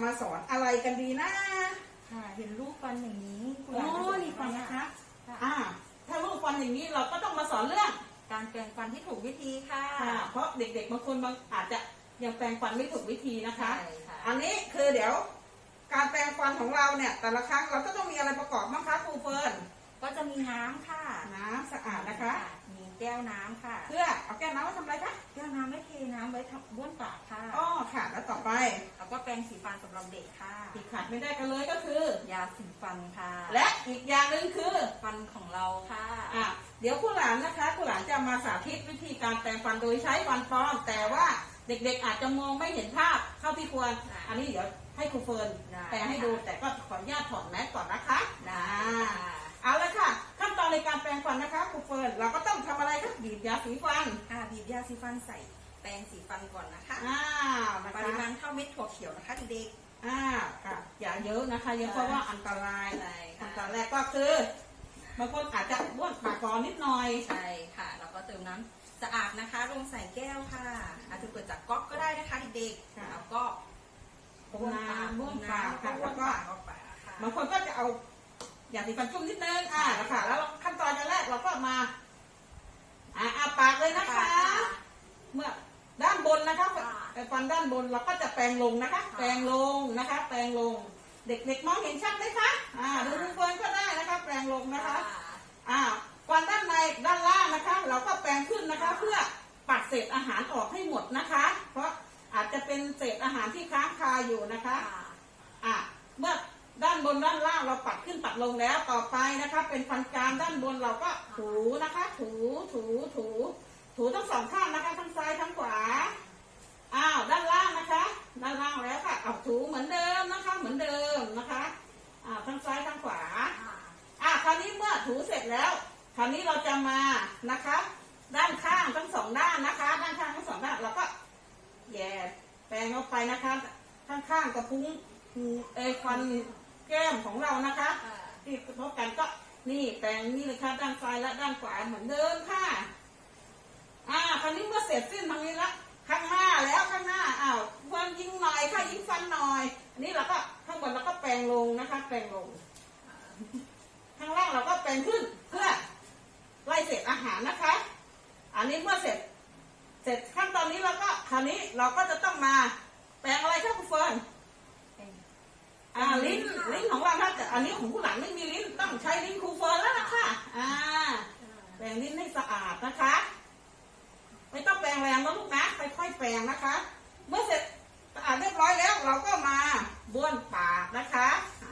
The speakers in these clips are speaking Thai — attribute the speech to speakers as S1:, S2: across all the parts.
S1: มาสอนอะไรกันดีนะ
S2: ค่ะเห็นรูปฟันอย่างนี้
S1: โอ้นี่ฟังนะคะถ้ารูปฟันอย่างนี้เราก็ต้องมาสอนเรื่อง
S2: การแปรงฟันที่ถูกวิธีค่ะ
S1: เพราะเด็กๆบางคนอาจจะยังแปรงฟันไม่ถูกวิธีนะคะอันนี้คือเดี๋ยวการแปรงฟันของเราเนี่ยแต่ละครั้งเราก็ต้องมีอะไรประกอบบ้างคะครูเฟิร์น
S2: ก็จะมีน้ำค่ะ
S1: น้ำสะอาดนะคะ
S2: มีแก้วน้ำค่ะ
S1: เพื่อเอาแก้วน้ำไว้ทำอะไรคะ
S2: แก้วน้ำไว้เทน้ำไว้บ้วนปากค่ะ
S1: อ๋อค่ะแล้วต่อไป
S2: แล้วก็แปรงสีฟันสำหรับเด็กค่ะ
S1: ที่ขาดไม่ได้กันเลยก็คือย
S2: าสีฟันค่ะ
S1: และอีกอย่างหนึ่งคือ
S2: ฟันของเราค่ะ
S1: เดี๋ยวคุณหลานนะคะคุณหลานจะมาสาธิตวิธีการแปรงฟันโดยใช้ฟันปลอมแต่ว่าเด็กๆอาจจะมองไม่เห็นภาพเท่าที่ควรอันนี้เดี๋ยวให้ครูเฟิร์นแปรงให้ดูแต่ก็ขออนุญาตถอดแมสก่อนนะคะเอาละค่ะขั้นตอนในการแปรงฟันนะคะครูเฟิร์นเราก็ต้องทำอะไรคะบีบยาสีฟัน
S2: บีบยาสีฟันใส่แปรงสีฟันก่อนนะคะปริมาณเท่าเม็ดถั่วเขียวนะคะเด็ก
S1: ค่ะอย่าเยอะนะคะเยอะเพราะว่าอันตรายขั้นตอนแรกก็คือบางคนอาจจะบ้วนปากก่อนนิดหน่อย
S2: ใช่ค่ะแล้วก็เติมน้ำสะอาดนะคะลงใส่แก้วค่ะอาจจะเปิดจากก๊อกก็ได้นะคะเด็กๆแล้วก็
S1: บ้วนปากค่ะแล้วก็บางคนก็จะเอายาสีฟันจุ่มนิดนึงนะคะแล้วขั้นตอนแรกเราก็มาปากเลยนะคะเมื่อด้านบนนะคะฟันด้านบนเราก็จะแปรงลงนะคะแปรงลงนะคะแปรงลงเด็กๆมองเห็นชัดไหมคะดูทุกคนก็ได้นะคะแปรงลงนะคะฟันด้านในด้านล่างนะคะเราก็แปรงขึ้นนะคะเพื่อปัดเศษอาหารออกให้หมดนะคะเพราะอาจจะเป็นเศษอาหารที่ค้างคาอยู่นะคะเมื่อด้านบนด้านล่างเราปัดขึ้นปัดลงแล้วต่อไปนะคะเป็นฟันกรามด้านบนเราก็ถูนะคะถูทั้งสองข้างนะคะทั้งซ้ายทั้งขวาด้านล่างนะคะด้านล่างแล้วค่ะถูเหมือนเดิมนะคะเหมือนเดิมนะคะทั้งซ้ายทั้งขวาคราวนี้เมื่อถูเสร็จแล้วคราวนี้เราจะมานะคะด้านข้างทั้งสองด้านนะคะด้านข้างทั้งสองด้านเราก็แย่แปรงเข้าไปนะคะข้างๆกระพุ้งฟันแก้มของเรานะคะที่พบกันก็นี่แปรงนี่เลยค่ะด้านซ้ายและด้านขวาเหมือนเดิมค่ะคราวนี้เมื่อเสร็จสิ้นทางนี้ละข้างหน้าแล้วข้างหน้าฟันยิงหน่อยค่ะยิงฟันหน่อยอันนี้เราก็ข้างบนเราก็แปรงลงนะคะแปรงลงข้างล่างเราก็แปรงขึ้นเพื่อไล่เศษอาหารนะคะอันนี้เมื่อเสร็จขั้นตอนนี้เราก็คราวนี้เราก็จะต้องมาแปรงอะไรคะคุณเฟิร์นลิ้นของเราถ้าแต่อันนี้ของผู้หลังไม่มีลิ้นต้องใช้ลิ้นครูเฟิร์นแล้วนะคะแปรงลิ้นให้สะอาดนะคะไม่ต้องแปรงแรงนะลูกนะค่อยๆแปรงนะคะเมื่อเสร็จสะอาดเรียบร้อยแล้วเราก็มาบ้วนปากนะคะ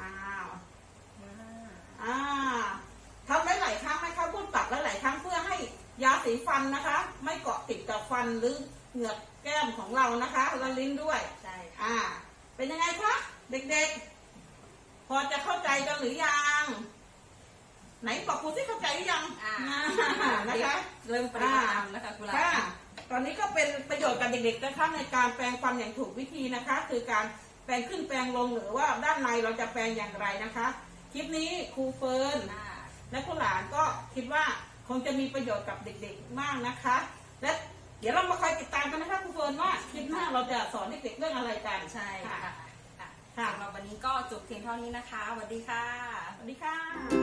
S1: ทำหลายๆครั้งนะคะบ้วนปากหลายๆครั้งเพื่อให้ยาสีฟันนะคะไม่เกาะติดกับฟันหรือเหงือกแก้มของเรานะคะและลิ้นด้วย
S2: ใช่
S1: เป็นยังไงคะเด็กๆพอจะเข้าใจกันหรือยังไหนบอกครูที่เข้าใจหรือยังนะคะ
S2: เริ่มปฏิบัติตามนะคะครู
S1: ตอนนี้ก็เป็นประโยชน์กับเด็กๆนะคะในการแปรงฟันอย่างถูกวิธีนะคะคือการแปรงขึ้นแปรงลงหรือว่าด้านในเราจะแปรงอย่างไรนะคะคลิปนี้ครูเฟิร์นและครูหลานก็คิดว่าคงจะมีประโยชน์กับเด็กๆมากนะคะและเดี๋ยวเรามาคอยติดตามกันนะคะครูเฟิร์นว่าคลิปหน้าเราจะสอนเด็กๆเรื่องอะไรกัน
S2: ใช่ค่ะสำหรับวันนี้ก็จบเพียงเท่านี้นะคะสวัสดีค่ะ
S1: สวัสดีค่ะ